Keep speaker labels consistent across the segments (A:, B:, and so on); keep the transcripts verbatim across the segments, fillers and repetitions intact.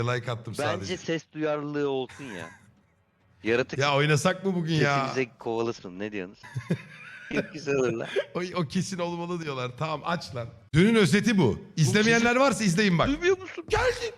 A: Like attım sadece.
B: Bence ses duyarlılığı olsun ya. Yaratık
A: Ya oynasak mı bugün ya?
B: sesimize kovalasın. Ne diyorsunuz? Çok güzel olur lan.
A: O, o kesin olmalı diyorlar. Tamam aç lan. Dünün özeti bu. İzlemeyenler varsa izleyin bak.
B: Duymuyor musun? Geldi.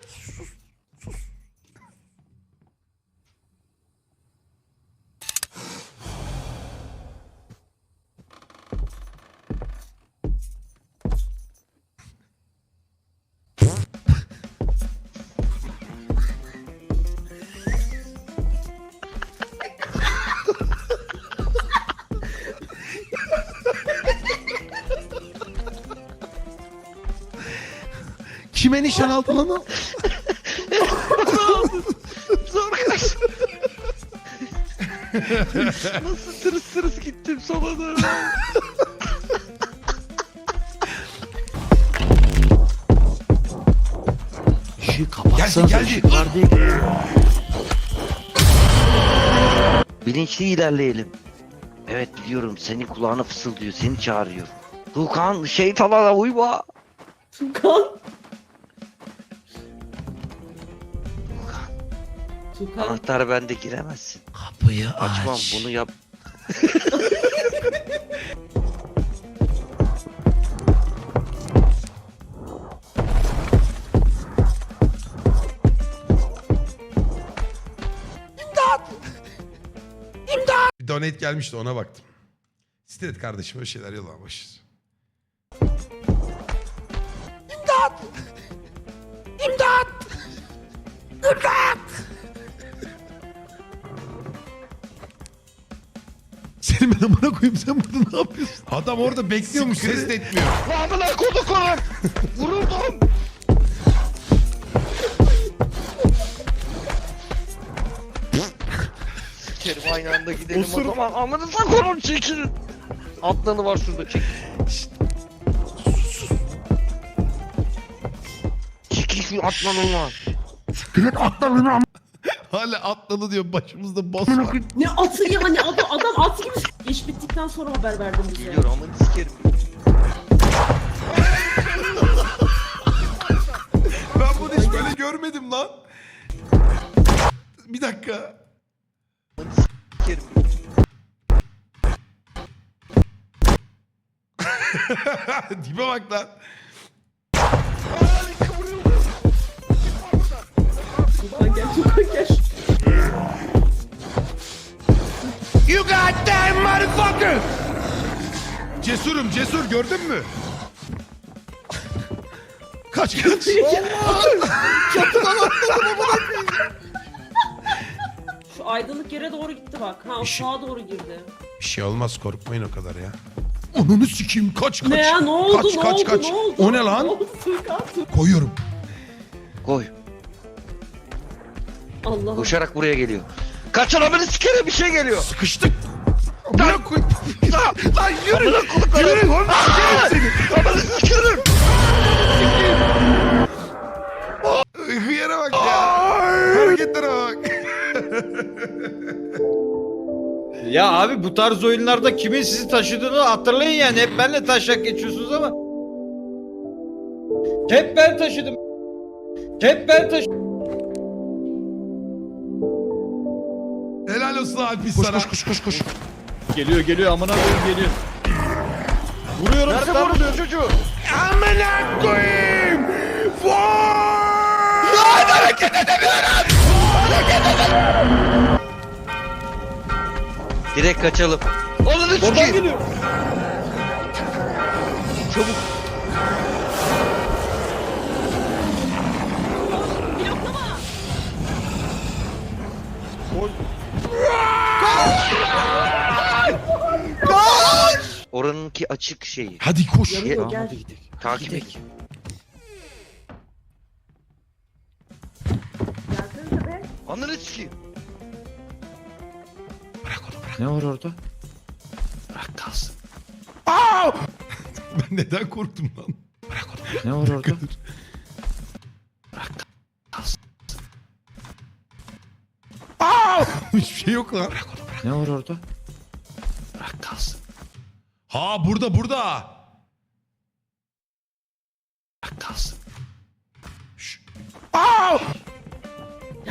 A: Kime nişan aldın lan o?
B: Zor kaç. Nasıl tırıs tırıs gittim sola doğru.
C: İşi kapatsanız
A: Geldi, geldi.
C: ışık var diye geliyor.
B: Bilinçli ilerleyelim. Evet biliyorum senin kulağına fısıldıyor, seni çağırıyor. Tuğkan şeytana uyma.
D: Tukan. Tukan.
B: Anahtar bende, giremezsin.
C: Kapıyı
B: Açmam
C: aç.
B: bunu yap.
A: Bir donate gelmişti ona baktım. Sitelet kardeşim öyle şeyler yollamışız. İmdat! İmdat! İmdat! Senin ben amına koyayım, sen burada ne yapıyorsun? Adam orada bekliyormuş, ses de etmiyor.
B: Amına koduk onu. Vuruldum. Sikerim aynı anda gidelim o zaman. Amınıza konum çekilin. Atlanı var şurada, çek. Çekil şu atlanı var.
A: Hala atladı diyor, başımızda boss var.
D: Ne atı ya, ne adam, adam at gibi. İş bittikten sonra haber verdim bize.
B: Biliyorum amını sikerim.
A: Ben bunu hiç böyle görmedim lan. Bir dakika.
B: Amını sikerim.
A: Dibe bak lan.
D: Tukan gel, Tukan gel.
A: You goddamn motherfucker! Cesurum, cesur, gördün mü? Kaç kaç.
D: Şu aydınlık yere doğru gitti bak. Ha, o
A: Bir şey-
D: sağa doğru girdi.
A: Bir şey olmaz, korkmayın o kadar ya. Onunu sikeyim, kaç kaç.
D: Ne ya, ne oldu,
A: kaç,
D: ne
A: kaç,
D: oldu,
A: kaç.
D: ne oldu?
A: O ne lan?
D: Ne oldu Tukan? Tukan.
A: Koyuyorum.
B: Koy.
D: Allah'ım.
B: Koşarak buraya geliyor. Kaçın amını sikerim, bir şey geliyor.
A: Sıkıştık. Amına koy.
B: Lan, lan yürü. Amına koduklarım. Yürü. Amını sikerim.
A: Hıyara bak ya. Hareketlere bak.
E: Ya abi bu tarz oyunlarda kimin sizi taşıdığını hatırlayın yani. Hep benle taşak geçiyorsunuz ama. Hep ben taşıdım. Hep ben taşıdım.
A: Helal olsun Alpis sana. Koş koş koş koş.
E: Geliyor geliyor amına koyayım geliyor. Vuruyorum.
B: Nerede
E: stun
B: vuruyorsun
E: vuruyorum.
B: çocuğu?
A: Amına koyayım. Vay! Lan hareket edemiyorum.
B: Direkt kaçalım. Ananı
E: Oradan
B: sikeyim.
E: geliyor.
B: Çabuk.
E: Oy.
B: Oranınki açık şeyi.
A: Hadi koş.
D: Yarıyor,
B: Tamam,
D: gel.
E: Hadi gidelim.
B: Takip et.
D: Gelsenize be.
B: Ananı sikeyim.
A: Bırak onu bırak.
E: Ne var orada? Bırak kalsın.
A: Aa! Ben neden korktum lan? Bırak onu.
E: Ne var orada?
A: Bırak kalsın. Aa! Hiçbir şey yok lan. Bırak onu bırak.
E: Ne var orada? Bırak kalsın.
A: Ha burada burada.
E: Bırak kalsın.
A: Şş. Aa!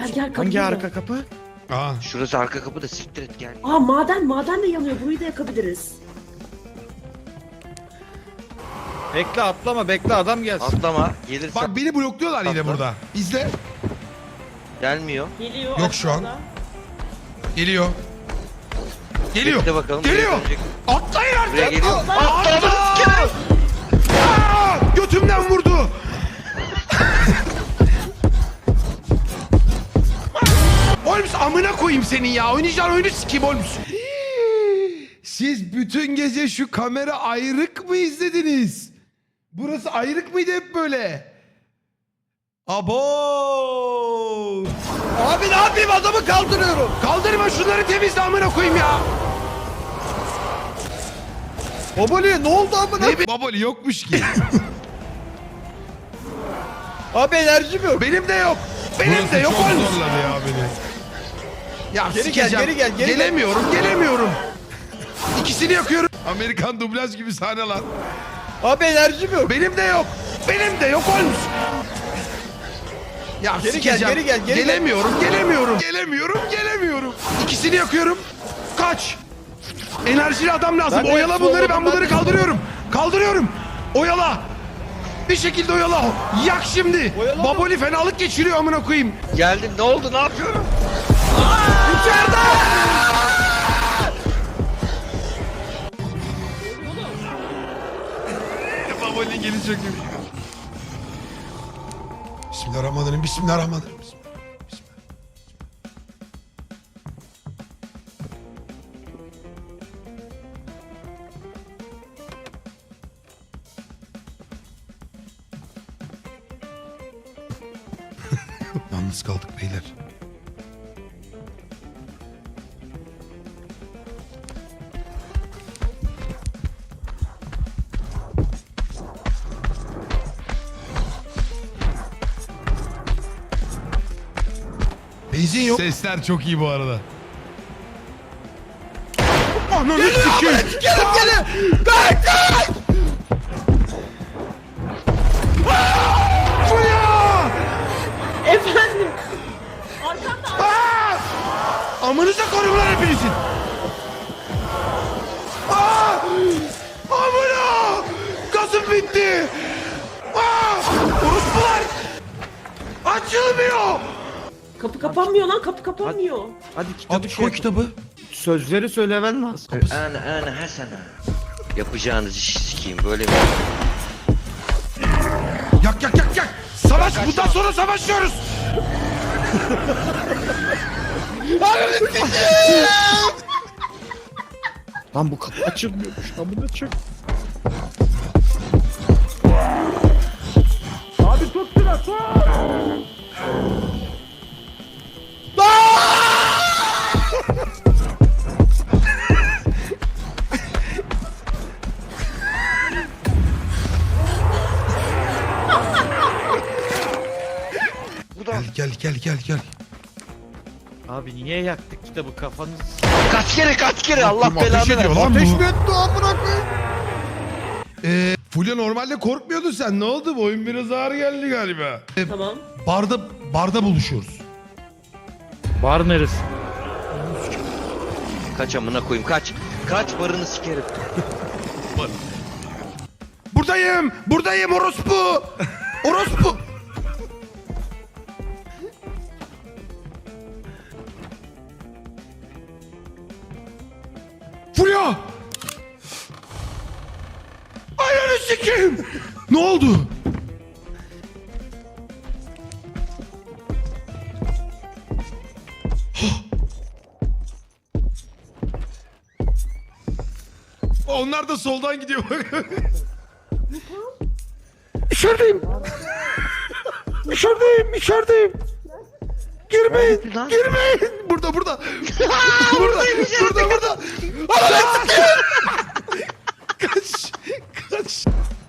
D: Gel gel kapı.
E: Hangi arka kapı?
A: Aa.
B: Şurası arka kapı da siktir et gel.
D: Aa maden maden de yanıyor. Burayı da yakabiliriz.
E: Bekle atlama bekle adam gelsin.
B: Atlama. Gelirse
A: Bak beni blokluyorlar yine
B: Atla.
A: burada. İzle.
B: gelmiyor.
D: Geliyor.
A: Yok şu an.
D: aşağıda.
A: Geliyor. Geliyor.
B: Bekle bakalım.
A: Geliyor.
B: buraya dönecek.
A: Atlayın artık.
B: Buraya geliyor.
A: Atla! Aa! Götümden vurdu. Holmes amına koyayım senin ya. Oynayacağın oyunu sikeyim Holmes. Siz bütün gece şu kamera ayrık mı izlediniz? Burası ayrık mıydı hep böyle? Abo!
E: Abi ne yapayım adamı kaldırıyorum.
A: Kaldırma şunları temizle amına koyayım ya.
E: Babali ne oldu amına?
A: Ne be- Baboli yokmuş ki.
E: Abi enerjim yok.
A: Benim de yok. Benim de yok Holmes. zorladı ya beni. Ya
E: Geri gel,
A: sikeceğim.
E: geri gel, geri gel.
A: Gelemiyorum, gelemiyorum. İkisini yakıyorum. Amerikan dublaj gibi sahneler.
E: Abi enerjim yok.
A: Benim de yok. Benim de yok Holmes. Ya
E: Geri gel,
A: sikeceğim.
E: geri gel, geri gel.
A: gelemiyorum, gelemiyorum. Gelemiyorum, gelemiyorum. İkisini yakıyorum. Kaç. Enerjili adam lazım.
E: Ben de
A: Oyala
E: hepsi
A: bunları,
E: olmadı,
A: ben
E: ben
A: bunları
E: de-
A: kaldırıyorum. Kaldırıyorum. Oyala. Bir şekilde oyala. Yak şimdi.
E: Oyala.
A: Baboli fenalık geçiriyor amına koyayım.
B: Geldim. Ne oldu? Ne yapıyorum?
A: Baboli geli çok iyi. Bismillahirrahmanirrahim. Bismillahirrahmanirrahim. Bismillah. Yalnız kaldık beyler. Benzin yok. Sesler çok iyi bu arada. Ananı sikeyim.
E: Gelin gelin. Kaç kaç.
A: Fulya!
D: Efendim. Arkamda.
A: Aa! Amınıza koyun lan hepinizin. Aa! Amına! Gazım bitti. Aa! Orospular! Açılmıyor.
D: Kapı kapanmıyor lan. Kapı kapanmıyor.
E: Hadi kitabı
A: Abi
E: şey
A: koy kitabı.
E: Sözleri söylemen lazım.
B: Ana ana Hasan'a. Yapacağınız işi sikeyim böyle mi?
A: Yak yak yak yak. Savaş. Bundan sonra savaşıyoruz.
E: Lan bu kapı açılmıyormuş. Amına çek. Abi tut şuna tut.
A: Gel gel gel gel gel.
E: Abi niye yaktık kitabı kafanız?
B: Kaç kere kaç kere Allah
A: Ateş
B: belanı
A: ediyor
B: versin.
A: lan
E: Ateş
A: bu.
E: mi etti amına koyayım?
A: Ee, Fulya normalde korkmuyordun sen. Ne oldu? Bu oyun biraz ağır geldi galiba. Ee,
D: Tamam.
A: barda barda buluşuyoruz.
E: Bar neresi?
B: Kaç amına koyayım kaç. Kaç barını sikerim.
A: Buradayım. Buradayım orospu. Orospu. Fulya. Ayağını sikeyim. Ne oldu? Onlar da soldan gidiyor. İçerideyim. İçerideyim, içerideyim. Girmeyin,
B: Nerede lan?
A: girmeyin. Burada, burada. burada, burada, burada. Allah'ım. Kaç, kaç.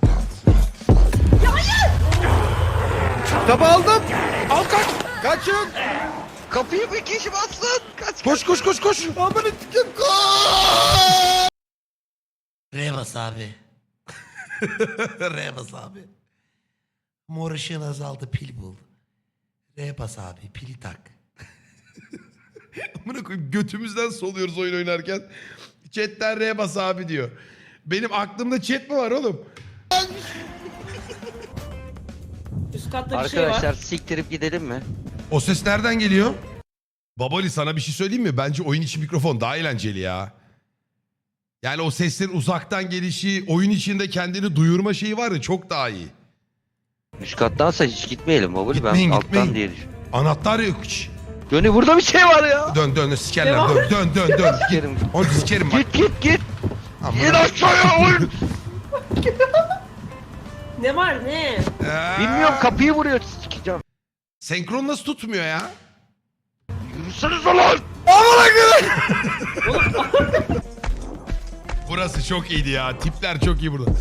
E: Kitabı aldım.
A: Al kaç.
E: Kaçın.
B: Kapıyı bir kişi bassın. Kaç
A: Koş, koş, koş, koş.
E: Amına sikeyim koş.
F: R bas abi. R bas abi. Mor ışığın azaldı, pil bul. R bas abi, pili tak.
A: Amına koyayım götümüzden soluyoruz oyun oynarken. Chat'ten R bas abi diyor. Benim aklımda chat mi var oğlum?
D: Üst katta bir şey var.
B: Arkadaşlar siktirip gidelim mi?
A: O ses nereden geliyor? Babali sana bir şey söyleyeyim mi? Bence oyun içi mikrofon daha eğlenceli ya. Yani o seslerin uzaktan gelişi, oyun içinde kendini duyurma şeyi var ya çok daha iyi.
B: Üst kattansa hiç gitmeyelim babuli.
A: Gitmeyin,
B: Ben
A: gitmeyin.
B: alttan diye düşünüyorum.
A: Anahtar yok hiç.
B: Dönü burada bir şey var ya.
A: Dön dön sikerler
D: Devam.
A: dön dön dön dön. Git.
B: Sikerim.
A: Onu sikerim bak.
B: Git git git.
A: Amına-
B: İn aşağıya oyun.
D: Ne var ne?
A: Ee,
B: Bilmiyorum kapıyı vuruyor sikeceğim.
A: Senkron nasıl tutmuyor ya?
B: Yürüseniz lan.
A: Burası çok iyiydi ya. Tipler çok iyi burada.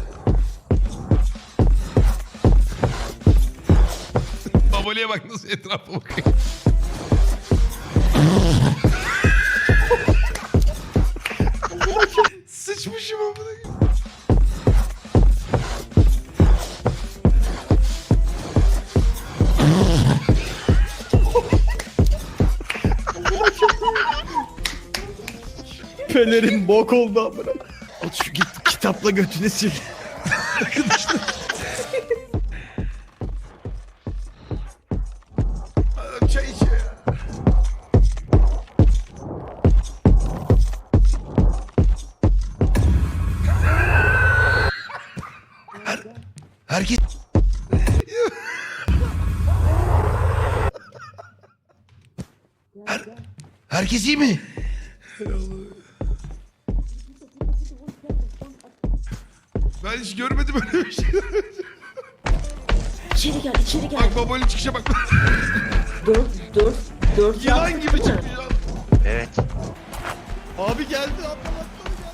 A: Babali'ye bak nasıl etrafa bakıyor. Sıçmışım amına koyayım.
E: Pelerin bok oldu amına. At şu git kitapla götünü sil.
A: Adam çay içiyor ya. Her, herkes... Her, herkes iyi mi? Ben hiç görmedim öyle bir şey.
D: İçeri gel içeri gel.
A: Bak babanın çıkışa bak.
D: Dört dört dört
A: Yılan
D: yaptık
A: gibi
D: değil mi?
A: çıkıyor.
B: Evet.
E: Abi geldi atla.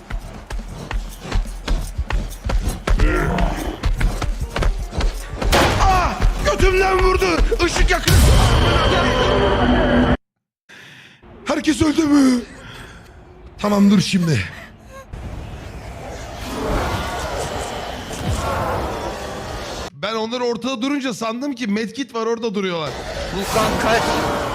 A: Ah! Götümden vurdu. Işık yakın. Herkes öldü mü? Tamam dur şimdi. Ben onlar ortada durunca sandım ki medkit var orada duruyorlar.
B: Vulkan kaç.